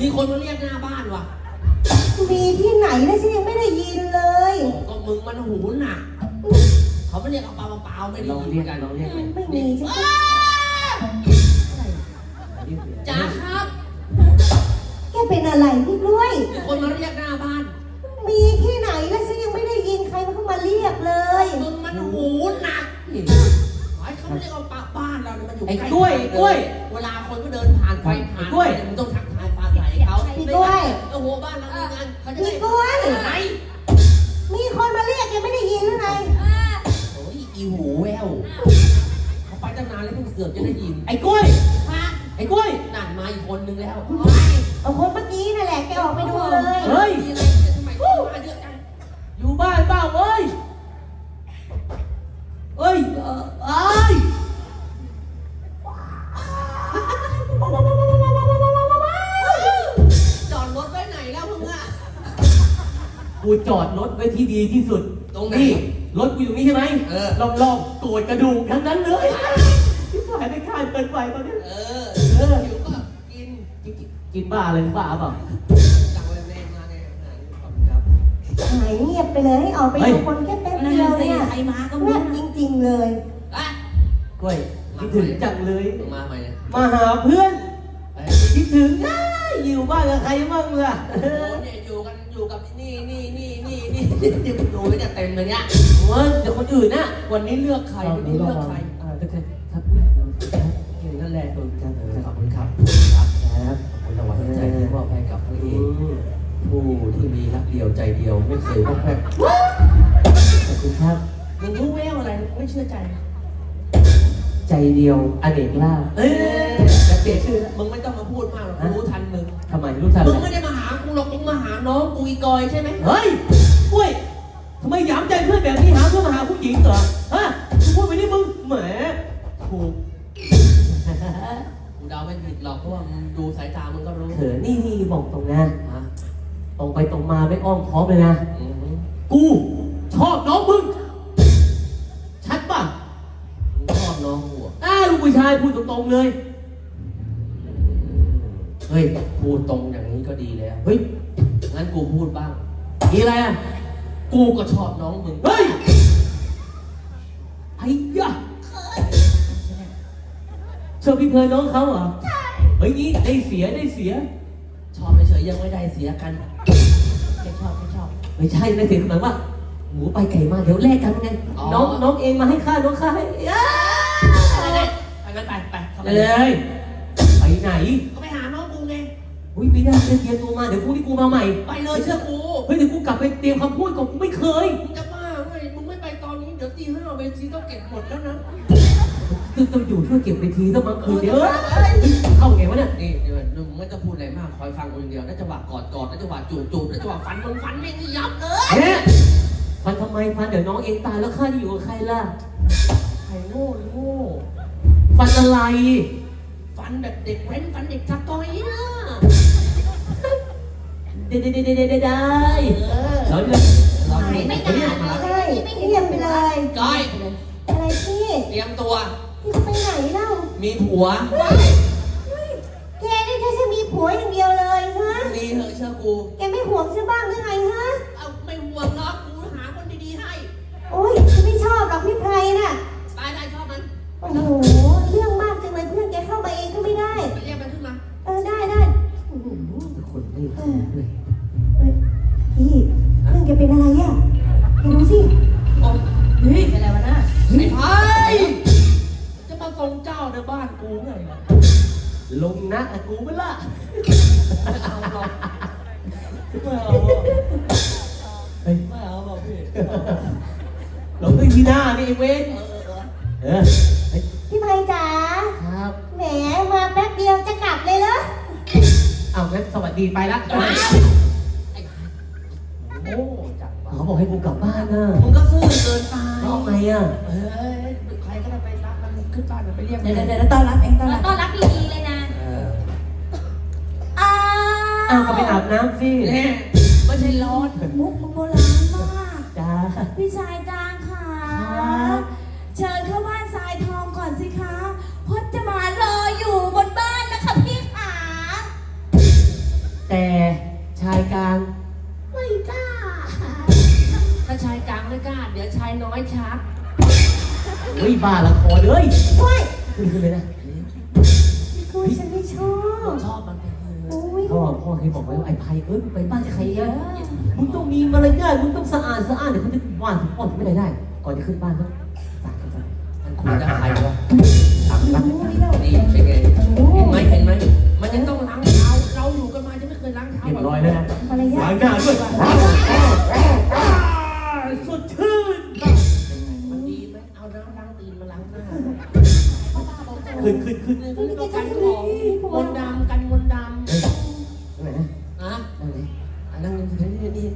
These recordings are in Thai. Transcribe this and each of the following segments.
มีคนมาเรียกหน้าบ้านว่ะมีที่ไหนนะฉันยังไม่ได้ยินเลยก็มึงมันหูหนักเขาไม่เรียกเอาเปล่าไม่ได้ยินกันลองเรียกไม่มีใช่ไหมจ๋าครับแกเป็นอะไรพี่กล้วยมีคนมาเรียกหน้าบ้านมีที่ไหนแล้วฉันยังไม่ได้ยินใครมาเข้ามาเรียกเลยมึงมันหูหนักไอ้เขาไม่เรียกเอาปากบ้านเราเนี่ยมันอยู่ใกล้ไอ้กล้วยเวลาคนก็เดินผ่านไปผ่านมึงต้องทักทายปลาใสเขาพี่กล้วยโอ้โหบ้านเรามีงานเขาจะพี่กล้วยไหนมีคนมาเรียกยังไม่ได้ยินหรือไงโอ้ยอีหูแววเขาไปตั้งนานแล้วเพิ่งเสือกจะได้ยินไอ้กล้วยไอ้กล้วยนั่นมาอีกคนนึงแล้วเอาคนเมื่อกี้นั่นแหละแกออกไปดูเลยเฮ้ยทำไมมาเยอะจังอยู่บ้านเปล่าเว้ยเอ้ยจอดรถไว้ไหนแล้วมึงอ่ะกูจอดรถไว้ที่ดีที่สุดตรงไหนรถกูอยู่นี่ใช่ไหมรอบๆตัวกระดูกทั้งนั้นเลยที่ผ่านไปข้ามเกินไปตอนนี้หิวก็กินบ้าอะไรบ้าเปล่าจังเลยแม่มาไงขอบคุณครับหายเงียบไปเลยให้ออกไปดูคนแค่แป๊บเดียวเนี่ยใครมาก็เงียบจริงๆเลยกล้วยคิดถึงจังเลยมาใหม่มาหาเพื่อนคิดถึงอยู่บ้านกับใครบ้างล่ะเนี่ยอยู่กับนี่ดูไม่จะเต็มเลยเนี่ยเดี๋ยวคนอื่นน่ะวันนี้เลือกใครวันนี้เลือกใครครับนั่นแหละขอบคุณครับขอบคุณครับขอบคุณรางวัลใจที่มอบให้กับพระเอกผู้ที่มีรักเดียวใจเดียวไม่เคยพบแพ้ขอบคุณครับมึงรู้แววอะไรไม่เชื่อใจใจเดียวอเนกล่าจะเปลี่ยนชื่อมึงไม่ต้องมาพูดมากหรอกรู้ทันมึงทำไมรู้ทันมึงไม่ได้มาหากูหรอกมึงมาหาน้องกูอีกอยใช่ไหมเฮ้ยกล้วยทำไมหยามใจเพื่อนแบบนี้หาเพื่อนมาหาผู้หญิงเหรอฮะกูพูดไปนี่มึงแหมถูกกูเดาไม่ผิดหรอกเพราะว่ามึงดูสายตามึงก็รู้เขินนี่บอกตรงนะตรงไปตรงมาไม่อ้อมค้อมเลยนะกูชอบน้องมึงชัดป่ะชอบน้องหัวลูกผู้ชายพูดตรงๆเลยเฮ้ยพูดตรงอย่างนี้ก็ดีแล้วเฮ้ยงั้นกูพูดบ้างมีอะไรอ่ะกูก็ชอบน้องมึงเฮ้ยไอ้ยะชอบพี่เพลินน้องเขาเหรอใช่เฮ้ยนี่ได้เสียชอบเฉยยังไม่ได้เสียกันแค่ชอบไม่ใช่ได้เสียหมายว่าหมูไปไก่มาเดี๋ยวแลกกันไงน้องเองมาให้ข้าน้องข้าให้ไปงั้นไปเลยไปไหนก็ไปหาน้องกูไงอุ้ยไม่ได้เตรียมตัวมาเดี๋ยวพรุ่งนี้กูมาใหม่ไปเลยเชื่อกูเฮ้ยเดี๋ยวกูกลับไปเตรียมคำพูดก่อนไม่เคยมึงจะบ้าไงมึงไม่ไปตอนนี้เดี๋ยวตี5เวทีต้องเก็บหมดแล้วนะต้องอยู่ช่วยเก็บเวทีสักบางคืนเดี๋ยวเข้าไงวะเนี่ยนี่เดี๋ยวมึงไม่ต้องพูดอะไรมากคอยฟังคนเดียวแล้วจังหวะกอดแล้วจังหวะจูบแล้วจังหวะฟันไม่ยับเลยฟันทำไมฟันเดี๋ยวน้องเองตายแล้วข้าจะอยู่กับใครล่ะใครโง่ฟันอะไรฟันแบบเด็กเว้นฟันเด็กชักก้อยนะได้เราไม่ได้ไม่เงียบไปเลยก้อยอะไรพี่เตรียมตัวพี่จะไปไหนเล่ามีผัวแกนี่ถ้าจะมีผัวอย่างเดียวเลยฮะมีเหอะเชื่อกูแกไม่ห่วงใช่บ้างหรือไงฮะเอาไม่ห่วงหรอกกูหาคนดีๆให้โอ๊ยฉันไม่ชอบหรอกพี่ไพรน่ะได้ชอบมันโอ้โหเรื่องมากจังเลยเพื่อนแกเข้ามาเองก็ไม่ได้เรียกมันขึ้นมาได้คนไม่เลยพี่เพื่อนแกเป็นอะไรอ่ะแกดูสิเฮ้ยเป็นอะไรวะน่ะไอ้ไพจะมาทรงเจ้าในบ้านกูไงลงนะกูไม่ละไม่เอาหรอกพี่ลงด้วยที่หน้านี่เว้นพี่ไพจ๋าครับแหมมาแป๊บเดียวจะกลับเลยเหรอเอางั้นสวัสดีไปละโอ้จังเขาบอกให้กูกลับบ้านนะมึงก็ซื่อเกินไปเอาไงอ่ะใครก็ได้ไปรับมันขึ้นบ้านไปเรียกเดี๋ยวต้อนรับเองต้อนรับดีๆเลยนะก็ไปอาบน้ำสิไม่ใช่ร้อนมุกโบราณมากจ้าพี่ชายจางค่ะเชิญเข้าบ้านทรายทองก่อนสิคะพจมานรออยู่บนบ้านนะคะพี่ขาขึ้นเลยนะพี่กุ้ยฉันไม่ชอบชอบมันไปเถโอ้อะยพ่อเคยบอกไว้ว่าไอ้ไพมึงไปบ้านใครอะมึงต้องมีมารยาทมึงต้องสะอาดเดี๋ยวเขาจะว่าถึงพ่อถึงไม่ได้ก่อนจะขึ้นบ้านต้องสาดกันก่อนมันคุยกับใครวะสาดกันโอ้ยเรานี่เป็นไง เห็นไหมเห็นไหม มันยังต้องล้างเท้า เราอยู่กันมาจะไม่เคยล้างเท้าเรียบร้อยแล้วนะมารยาล้าทงหน้าด้วยสดชื่นมันดีไหมเอาน้ำล้างตีนมาล้างหน้าขึ้นนี่ก็เรียกว่ากันของมนต์ดำกันมนต์ดำตรงไหนนะอะตรงไหนอันนั้นนี่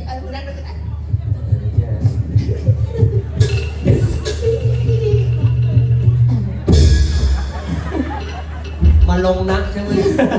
มาลงนักใช่ไหม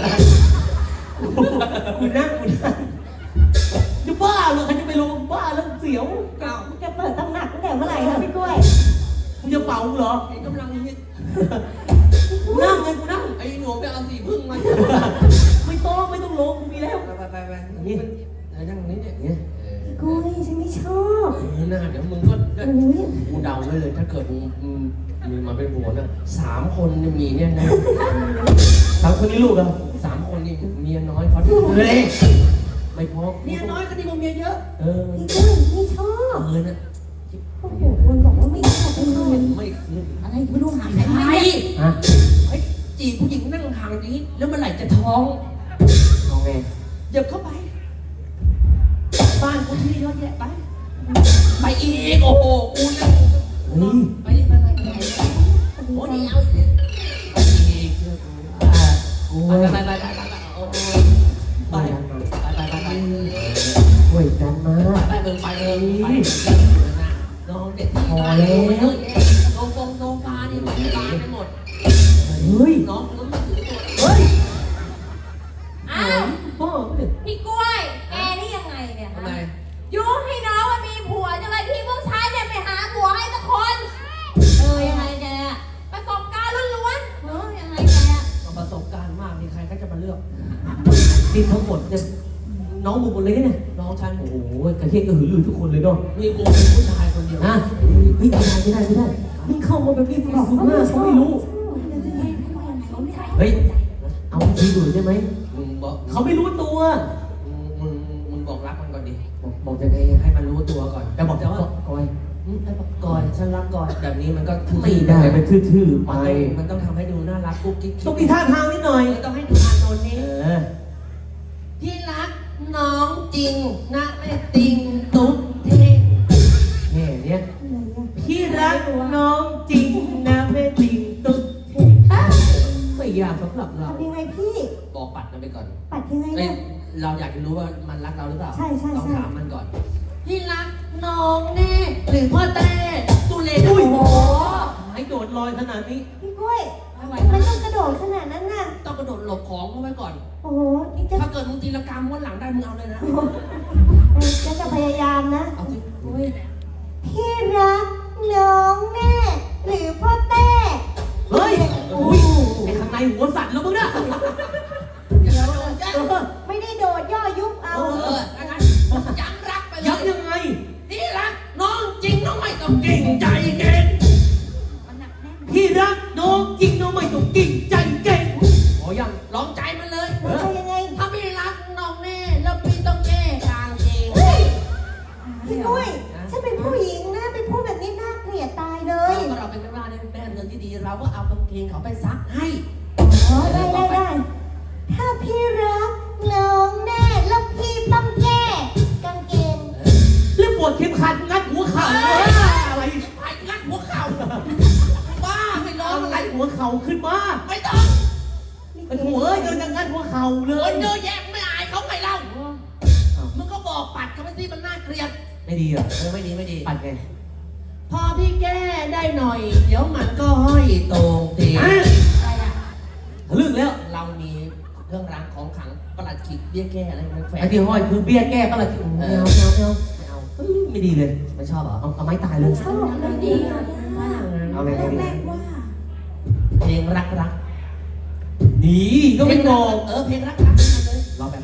คุณนั่งจะบ้าเหรอใครจะไปลงบ้าแล้วเสียวเก่าจะเปิดตำหนักตั้งแต่เมื่อไหร่คะพี่กล้วยมึงจะเป่าเหรอไอ้กำลังฮิตกูนั่งไงกูนั่งไอ้หนูไปเอาสีพึ่งมาไม่ต้องลงกูมีแล้วไปนี่นั่งนี้เนี่ยพี่กล้วยฉันไม่ชอบน่าเดี๋ยวมึงก็โอ้ยกูเดาไว้เลยถ้าเกิดมึงมาเป็นผัวนะ3 คนมีเนี่ยนะสามคนนี้ลูกเหรอ 3 คนนี่เมียน้อยเขาเฮ้ยไม่พอเมียน้อยก็ดีกว่าเมียเยอะเออพี่กล้วยไม่ชอบนะโอ้โหคนบอกว่าไม่ชอบไม่ชอบไม่คืนอะไรไม่รู้หาใครใครฮะไอ้จีบผู้หญิงนั่งห่างนี้แล้วเมื่อไหร่จะท้องเอาไงเหยียบเข้าไป บ้านกูที่เยอะแยะไป ไปอีกโอ้โหกูนั่งเฮ้ยไปดิไปโอ้นี่เอาอีกเชื่อกูกูไปเว้ยไปโอ้ไปไปช่วยกันมาไปเมืองไปน้องเด็กที่โซฟานี่มันบานไปหมดเฮ้ยน้องก็ไม่ถือตัวเฮ้ยอ้าวพ่อเนี่ยพี่กล้วย แกนี่ยังไงเนี่ยทำไมยุให้น้องมันมีผัวจังเลยที่พวกชายเนี่ยไปหาผัวให้สักคน ยังไงแกประสบการณ์ล้วนๆยังไงแกประสบการณ์มากมีใครก็จะมาเลือกนี่ทั้งหมดเนี่ยน้องมึงหมดเลยเนี่ยน้องฉันโอ้โหกระเทียมกระหือรือทุกคนเลยเนาะมีกูเป็นผู้ชายคนเดียวฮะไม่ได้มึงเข้ามาแบบนี้มึงบอกว่าเขาไม่รู้ เฮ้ย เอาทีดูได้ไหมมึงบอกเขาไม่รู้ตัวมึงบอกรักมันก่อนดิบอกยังไงให้มันรู้ตัวก่อนจะบอกแต่ว่าก่อยให้บอกก่อนฉันรักก่อนแบบนี้มันก็ไม่ได้มันทื่อๆไปมันต้องทำให้ดูน่ารักกุ๊กกิ๊กต้องมีท่าทางนิดหน่อยต้องให้ดูอานนท์เอนี่อที่รักน้องจริงนะไม่ติงตุ๊กเท่แค่เนี้ยพี่รักน้องจริงนะแม่ติงตุ๊ดเท่ไม่ยากสำหรับเราทำยังไงพี่บอกปัดมันไปก่อนปัดยังไงเอ้ยเนี่ยเราอยากจะรู้ว่ามันรักเราหรือเปล่าใช่ใช่ต้องใช่ถามมันก่อนพี่รักน้องแน่หรือพ่อแต่ตุเลโอ้โหให้โดดลอยขนาดนี้พี่กล้วยไม่ไหวทำไมต้องกระโดดขนาดนั้นน่ะต้องกระโดดหลบของเข้าไว้ก่อนโอ้โหนี่จะถ้าเกิดมึงตีละกรรมม้วนหลังได้มึงเอาเลยนะจะพยายามนะเอาสิพี่รักน้องแน่หรือพ่อแต้เฮ้ยอุ้ยไอ้ข้างในหัวสั่นแล้วมึงนะอย่าโดนยัไม่ได้โดดย่อยุบเอางั้นย้ำรักไปเลยย้ำยังไงพี่รักน้องจริงน้องไม่ต้องเก่งใจเก่งมันหนักแน่นพี่รักน้องจริงน้องไม่ต้องกิ่งใจเก่งขอยังลองใจมันเลยแล้วจะยังไงถ้าพี่รักน้องแน่แล้วพี่ต้องแก้กางเกงพี่กล้วยฉันเป็นผู้หญิงนะเป็นผู้แบบนี้น่าเกลียดตายเลยก็เราเป็นแม่บ้านในแม่เรือนที่ดีเราก็เอากางเกงเขาไปซักให้อ๋อได้ถ้าพี่รักน้องแน่แล้วพี่ต้องแก้กางเกงแล้วปวดเข็มขัดงัดหัวเข่าอะไรไปงัดหัวเข่าบ้าไม่ร้องอะไรงัดหัวเข่าขึ้นมาไม่ต้องไอ้หัวเอ้ยเดินจะงัดหัวเข่าเลคยนเยอะแยะไม่อายเขาไงเล่ามึงก็บอกปัดเขาไปสิมันน่าเกลียดไม่ดีอ่ะไม่ดีไม่ดีปัดไงพอพี่แก้ได้หน่อย เดี๋ยวมันก็ห้อยตรงตีอะไรอ่ะทะลึ่งแล้วเรามีเครื่องรางของขลังประหลัดขิกเบี้ยแก้อะไรมันแฝงไอ้ที่ห้อยคือเบี้ยแก้ปะล่ะไม่เอาไม่เอาไม่ดีเลยไม่ชอบเหรอเอาไม้ตายเลยชอบมันดีอ่ะเอาอะไรดีแรกว่าเพลงรักรักนี่ก็ไม่บอกเพลงรักรักมาเลยรอแป๊บ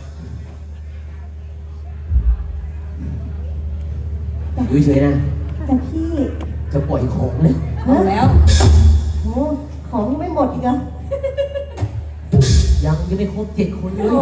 อยู่เฉยๆนะแต่พี่จะปล่อยของเลยแล้วโอ้ของอีกเหรอยังไม่ครบ7 คนเลยโอ้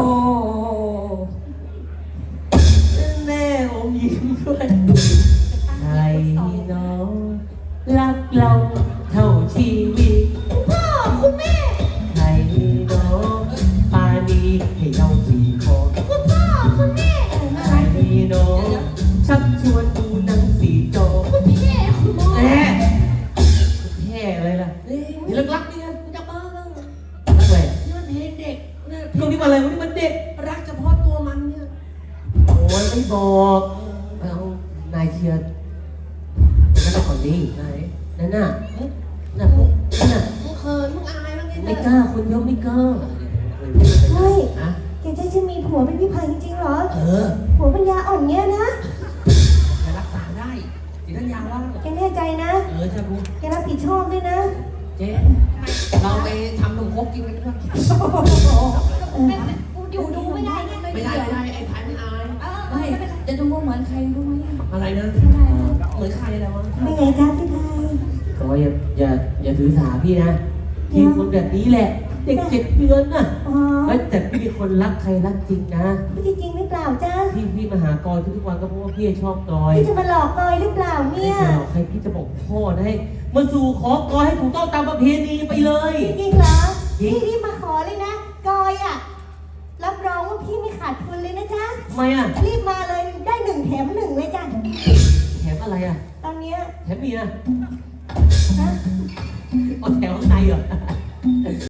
แม่อมยิ้มด้วยใครเนาะรักเราเท่าชีวิตพ่อคุณแม่ใครเนาะปานีให้เราขี่คอคุณพ่อคุณแม่ใครเนาะชักชวนดูหนังสีจอคุณแม่คุณพ่อแม่แค่อะไรล่ะนี่รักๆนี่ไงจะบ้าแล้วรักอะไรนี่มันเพลงเด็กเนี่ยตรงนี้มาอะไรวันนี้มันเด็กรักเฉพาะตัวมันเนี่ยโอ้ยไม่บอกเอานายเชียร์นั่นก่อนดีไหนนั่นน่ะน่ะพวกนั่นน่ะมึงเขินมึงอายบ้างไงไม่กล้าคนเยอะไม่กล้าเฮ้ยอะแกจะมีผัวเป็นพี่ไผ่จริงๆเหรอเออผัวปัญญาอ่อนเงี้ยนะจะรักษาได้สิท่านยาว่าแกแน่ใจนะจะรู้แกรับผิดชอบด้วยนะเจ๊เราไปทำนมครกกินกันด้วยกูอยู่ดูไม่ได้ไงไม่ได้ไอ้พายไม่อายไม่จะดูว่าเหมือนใครรู้ไหมอะไรนะเหมือนใครอะไรวะไม่ไงจ้าพี่ไผ่ก็อย่าถือสาพี่นะพี่คนแบบนี้แหละ เด็ก7 เดือนน่ะอ๋อแต่พี่เป็นคนรักใครรักจริงนะพี่จริงหรือเปล่าจ้าพี่มาหากอยทุกวันก็เพราะว่าพี่ชอบกอยพี่จะมาหลอกกอยหรือเปล่าไม่เนี่ยใช่หรอกใครพี่จะบอกพ่อนะให้มาสู่ขอกอยให้ถูกต้องตามประเพณีไปเลยจริงเหรอจริงพี่รีบมาขอเลยนะ กอยอ่ะ รับรองว่าพี่ไม่ขาดทุนเลยนะจ๊ะทำไมอ่ะรีบมาเลยได้1 แถม 1เลยจ้ะแถมอะไรอ่ะตอนเนี้ยแถมเมียฮะเอาแถมข้างในเหรอ